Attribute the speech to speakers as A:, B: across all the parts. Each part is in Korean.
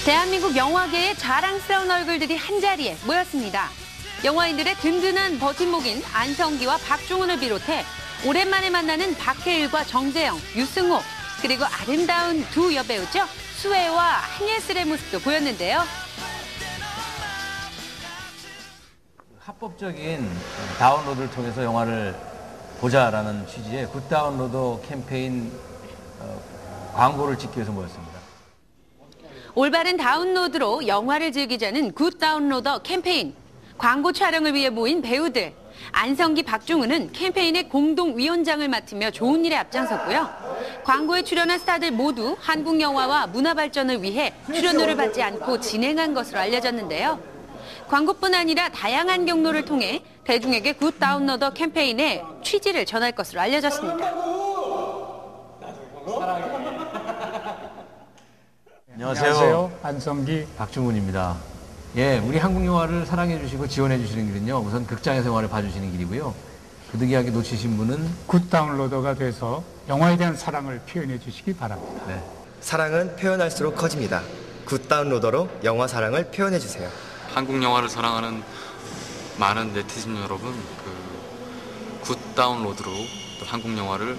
A: 대한민국 영화계의 자랑스러운 얼굴들이 한자리에 모였습니다. 영화인들의 든든한 버팀목인 안성기와 박중훈을 비롯해 오랜만에 만나는 박해일과 정재영, 유승호, 그리고 아름다운 두 여배우죠. 수혜와 한예슬의 모습도 보였는데요.
B: 합법적인 다운로드를 통해서 영화를 보자라는 취지의 굿다운로더 캠페인 광고를 찍기 위해서 모였습니다.
A: 올바른 다운로드로 영화를 즐기자는 굿다운로더 캠페인. 광고 촬영을 위해 모인 배우들. 안성기, 박중훈은 캠페인의 공동위원장을 맡으며 좋은 일에 앞장섰고요. 광고에 출연한 스타들 모두 한국 영화와 문화 발전을 위해 출연료를 받지 않고 진행한 것으로 알려졌는데요. 광고뿐 아니라 다양한 경로를 통해 대중에게 굿다운로더 캠페인의 취지를 전할 것으로 알려졌습니다.
B: 안녕하세요.
C: 안성기,
B: 박중훈입니다. 예, 우리 한국 영화를 사랑해 주시고 지원해 주시는 길은요. 우선 극장에서 영화를 봐주시는 길이고요. 부득이하게 놓치신 분은
C: 굿다운로더가 돼서 영화에 대한 사랑을 표현해 주시기 바랍니다.
B: 네.
D: 사랑은 표현할수록 커집니다. 굿다운로더로 영화 사랑을 표현해 주세요.
E: 한국 영화를 사랑하는 많은 네티즌 여러분, 굿다운로드로 또 한국 영화를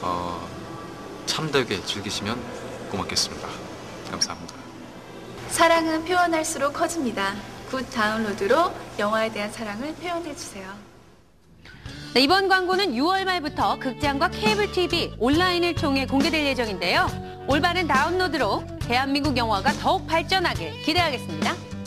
E: 참되게 즐기시면 고맙겠습니다. 감사합니다.
F: 사랑은 표현할수록 커집니다. 굿다운로드로 영화에 대한 사랑을 표현해주세요.
A: 네, 이번 광고는 6월 말부터 극장과 케이블 TV, 온라인을 통해 공개될 예정인데요. 올바른 다운로드로 대한민국 영화가 더욱 발전하길 기대하겠습니다.